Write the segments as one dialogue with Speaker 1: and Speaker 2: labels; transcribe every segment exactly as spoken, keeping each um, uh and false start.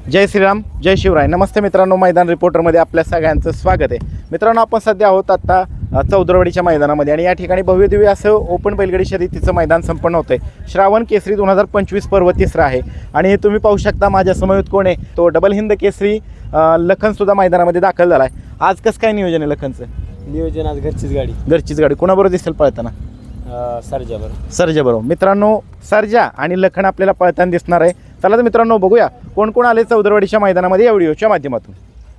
Speaker 1: जय श्रीराम, जय शिवराय. नमस्ते मित्रांनो, मैदान रिपोर्टरमध्ये आपल्या सगळ्यांचं स्वागत आहे. मित्रांनो, आपण सध्या आहोत आता चौदरवाडीच्या मैदानामध्ये आणि या ठिकाणी भव्यदिव्य असं ओपन बैलगाडी शर्यतीचं मैदान संपन्न होतं आहे. श्रावण केसरी दोन हजार पंचवीस पर्व तिसरा आहे आणि तुम्ही पाहू शकता माझ्या समवेत कोण आहे, तो डबल हिंद केसरी लखनसुद्धा मैदानामध्ये दाखल झाला आहे. आज कसं काय नियोजन आहे लखनचं?
Speaker 2: नियोजन आज घरचीच गाडी
Speaker 1: घरचीच गाडी. कोणाबरोबर दिसेल पळताना?
Speaker 2: सरजा बरोबर.
Speaker 1: सर्जा बरोबर. मित्रांनो, सर्जा आणि लखन आपल्याला पळताना दिसणार आहे. चला तर मित्रांनो, बघूया कोण कोण आले चौदरवाडीच्या मैदानामध्ये या व्हिडिओच्या माध्यमातून.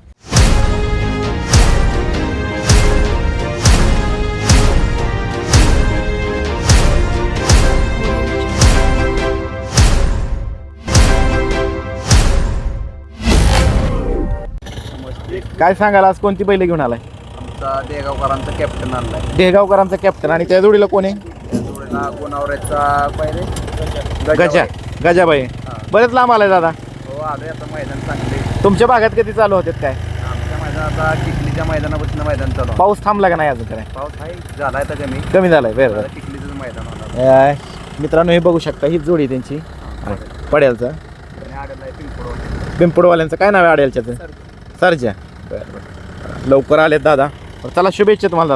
Speaker 1: काय सांगाल, आज कोणती बैल घेऊन आलाय?
Speaker 3: आमचा देगावकरांचा कॅप्टन आणलाय.
Speaker 1: देगावकरांचा कॅप्टन. आणि त्या जोडीला कोण आहे?
Speaker 3: त्या जोडीला गुणावऱ्याचा पहिले
Speaker 1: गजा गजाबाई. बरेच लांब आलाय दादा.
Speaker 3: हो, आलोय आता. मैदान चांगले.
Speaker 1: तुमच्या भागात कधी चालू होते काय?
Speaker 3: आमच्या मैदानात आता चिखलीच्या मैदानापासून मैदान चालू आहे.
Speaker 1: पाऊस थांबला का नाही अजून? काय
Speaker 3: पाऊस आहे, झालाय तर कमी
Speaker 1: कमी झालाय. बरं बरं.
Speaker 3: चिखलीचं मैदान होणार.
Speaker 1: मित्रांनो, हे बघू शकता, हीच जोडी त्यांची पड्यालचा
Speaker 3: आणि आलेला आहे पिंपळवाडी.
Speaker 1: पिंपळवाल्यांचं काय नाव आहे आड्यालच्याचं? सरजा. बरं बरं. लवकर आलेत दादा. चला, शुभेच्छा तुम्हाला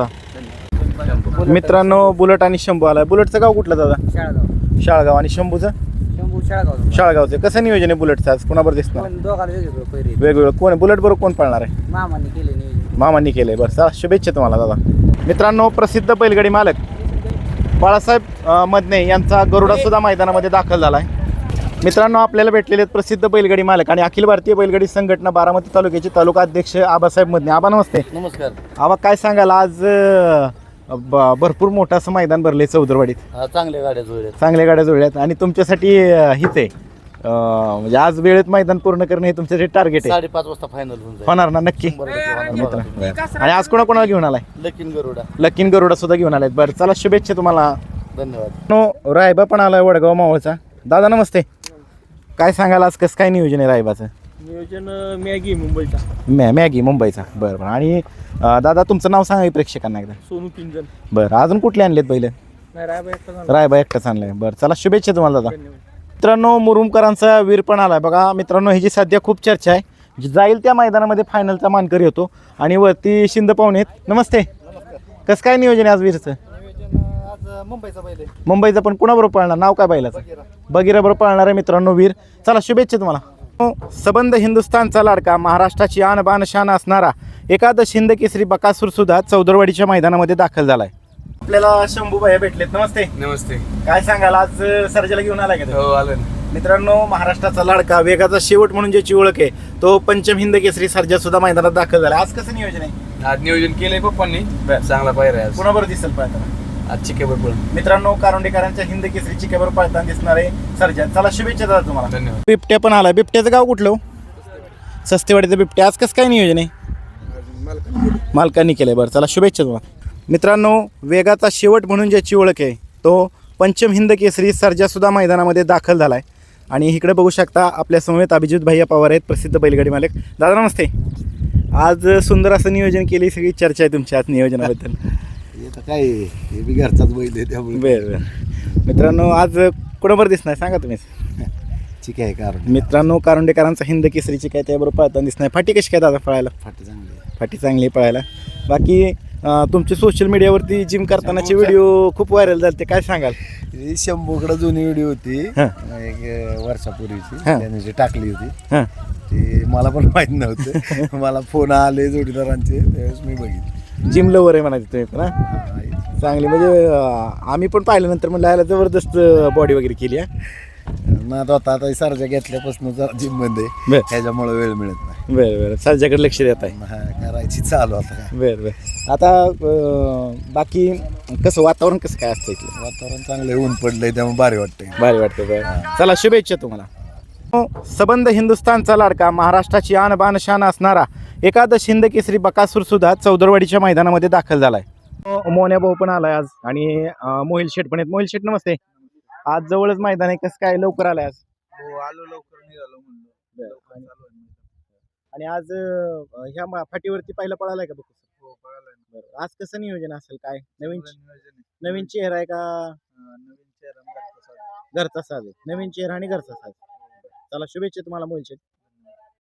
Speaker 1: दादा. मित्रांनो, बुलेट आणि शंभू आलाय. बुलेटचं गाव कुठलं दादा?
Speaker 2: शाळगाव.
Speaker 1: शाळगाव. आणि शंभूचं?
Speaker 2: शंभू शाळगाव.
Speaker 1: शाळगावचं. कसं नियोजन आहे बुलेटचं आज? कोणाबरोबर दिसणार?
Speaker 2: दोघांना वेगवेगळं पहिरे
Speaker 1: वेगवेगळं. कोण बुलेट बरोबर कोण पळणार आहे?
Speaker 2: मामाने केले नियोजन.
Speaker 1: मामांनी केलंय. बरं, चला, शुभेच्छा तुम्हाला दादा. मित्रांनो, प्रसिद्ध बैलगाडी मालक बाळासाहेब अ, मदने यांचा गरुडा सुद्धा मैदानामध्ये दाखल झाला आहे. मित्रांनो, आपल्याला भेटलेले आहेत प्रसिद्ध बैलगाडी मालक आणि अखिल भारतीय बैलगाडी संघटना बारामती तालुक्याचे तालुका अध्यक्ष आबासाहेब मदने. आबा नमस्ते.
Speaker 2: नमस्कार.
Speaker 1: आबा, काय सांगाल, आज अ, ब- भरपूर मोठं असं मैदान भरले चौदरवाडीत.
Speaker 2: चांगल्या गाड्या जोड्या.
Speaker 1: चांगल्या गाड्या जुळल्यात आणि तुमच्यासाठी अ, हीच आहे अ, म्हणजे आज वेळेत मैदान पूर्ण करणे हे तुमच्यासाठी टार्गेट आहे.
Speaker 2: साडेपाच वाजता फायनल होऊन जाईल.
Speaker 1: होणार ना? नक्की. मित्र, आणि आज कोणा कोणाला घेऊन आलाय?
Speaker 2: लकीन गरुडा.
Speaker 1: लकीन गरुडा सुद्धा घेऊन आलाय. बरं, चला, शुभेच्छा तुम्हाला.
Speaker 2: धन्यवाद.
Speaker 1: नो, रायबा पण आलाय वडगाव मावळचा. दादा नमस्ते. काय सांगाल, आज कसं काय नियोजन आहे रायबाचं?
Speaker 2: नियोजन मॅगी मुंबईचा.
Speaker 1: मॅ मॅगी मुंबईचा. बरं बरं. आणि अ, दादा, तुमचं नाव सांगा प्रेक्षकांना एकदा.
Speaker 2: सोनू पिंजन.
Speaker 1: बरं, अजून कुठले आणलेत पहिले?
Speaker 2: नाही रायबा एकटा.
Speaker 1: रायबा एकटाच आणलाय. बरं, चला, शुभेच्छा तुम्हाला दादा. मित्रांनो, मुरुमकरांचा वीर पण आलाय बघा. मित्रांनो, ही जी सध्या खूप चर्चा आहे, जी जाईल त्या मैदानामध्ये फायनलचा मानकरी होतो. आणि वरती शिंद पाहुणे आहेत. नमस्ते. कसं काय नियोजन आहे आज वीरचं?
Speaker 2: आज मुंबईचा पहिले.
Speaker 1: मुंबईचा. पण कुणाबरोबर पळणार? नाव काय बैलाचं? बगीरा बरोबर पळणार आहे मित्रांनो वीर. चला, शुभेच्छा तुम्हाला. सबंध हिंदुस्थानचा लाडका, महाराष्ट्राची आन बान शान असणारा एकादश हिंद केसरी बकासूर सुद्धा चौदरवाडीच्या मैदानामध्ये दाखल झालाय. आपल्याला शंभू भाई भेटलेत. नमस्ते.
Speaker 3: नमस्ते.
Speaker 1: काय सांगाल, आज सर्जाला घेऊन आलाय का?
Speaker 3: हो, आलं.
Speaker 1: मित्रांनो, महाराष्ट्राचा लाडका, वेगाचा शेवट म्हणून ज्याची ओळख आहे, तो पंचम हिंद केसरी सर्जा सुद्धा मैदानात दाखल झाला. आज कसं नियोजन आहे?
Speaker 3: आज नियोजन केलंय पप्पांनी. चांगला पायरा आहे आज.
Speaker 1: कुणाबरोबर दिसेल पळताना?
Speaker 3: आज चिकेबर पळ.
Speaker 1: मित्रांनो, कारोंडेकरांच्या हिंद केसरी चिकेवर पळताना दिसणार आहे सर्जा. चला, शुभेच्छा दादा तुम्हाला.
Speaker 3: धन्यवाद.
Speaker 1: बिबट्या पण आला. बिबट्याचं गाव कुठलं? सस्तेवाडीचं बिबट्या. आज कसं काय नियोजन आहे? मालकांनी केलंय. बरं, चला, शुभेच्छा तुम्हाला. मित्रांनो, वेगाचा शेवट म्हणून ज्याची ओळख आहे, तो पंचम हिंद केसरी सर्जा सुद्धा मैदानामध्ये दाखल झाला आहे. आणि इकडे बघू शकता आपल्या समवेत अभिजित भैया पवार आहेत, प्रसिद्ध बैलगाडी मालक. दादा नमस्ते. आज सुंदर असं नियोजन केली, सगळी चर्चा आहे तुमच्या आज नियोजनाबद्दल.
Speaker 3: काय हे बी घरचाच बैल आहे त्यामुळे.
Speaker 1: बरं बरं. मित्रांनो, आज कोणाबरोबर दिसणार सांगा तुम्हीच?
Speaker 3: ठीक आहे. कारण
Speaker 1: मित्रांनो, कारोंडेकरांचा हिंद केसरीची काय त्याबरोबर पळताना दिसणार. फाटी कशी काय दादा पळायला?
Speaker 3: फाटी चांगली आहे.
Speaker 1: फाटी चांगली आहे पळायला. बाकी अं, तुमचे सोशल मीडियावरती जिम करतानाचे व्हिडिओ खूप व्हायरल झाले, ते काय सांगाल?
Speaker 3: ही शंभूकडे जुनी व्हिडिओ होती
Speaker 1: हां.
Speaker 3: एक वर्षापूर्वीची.
Speaker 1: हां.
Speaker 3: त्याने जी टाकली होती
Speaker 1: हां.
Speaker 3: ती मला पण माहीत नव्हतं. मला फोन आले जोडीदारांचे, त्यावेळेस मी बघितली.
Speaker 1: जिम लवर आहे म्हणायचं तुम्ही पण? हां, चांगली. म्हणजे अं, आम्ही पण पाहिल्यानंतर म्हणलं याला जबरदस्त बॉडी वगैरे केली आहे
Speaker 3: ना. तो आता आता सर्जा घेतल्यापासून जिम मध्ये
Speaker 1: बरं
Speaker 3: ह्याच्यामुळे वेळ मिळत नाही.
Speaker 1: बरं बरं. सर्जाकडे लक्ष देत आहे.
Speaker 3: हा, करायची चालू आता काय.
Speaker 1: बरं बरं. आता अं, बाकी कसं वातावरण कसं काय असतं इथलं?
Speaker 3: वातावरण चांगलं आहे, ऊन पडलंय त्यामुळे भारी वाटतंय.
Speaker 1: भारी वाटतं. बरं, चला, शुभेच्छा तुम्हाला. सबंध हिंदुस्थानचा लाडका, महाराष्ट्राची आन बान शान असणारा एकादश हिंद केसरी बकासूर सुद्धा चौदरवाडीच्या मैदानामध्ये दाखल झालाय. मोन्या भाऊ पण आलाय आज आणि अं, मोहिल शेठ पण आहेत. मोहिल शेठ नमस्ते. आज जवळच मैदान आहे, कसं काय लवकर आलाय आज?
Speaker 3: हो, आलो लवकर निघालो म्हणलं.
Speaker 1: आणि आज अं, ह्या मा- फाटीवरती पहिला पळालाय का बघ?
Speaker 3: हो, कळालं ना.
Speaker 1: बरं, आज कसं नियोजन असेल? काय नवीन
Speaker 3: चांगलं नियोजन आहे.
Speaker 1: नवीन चेहरा आहे का?
Speaker 3: हा, नवीन चेहरा आणि घरचा साज.
Speaker 1: घरचा साज आहे. नवीन चेहरा आणि घरचा साज. चला, शुभेच्छा तुम्हाला मोहिल शेठ.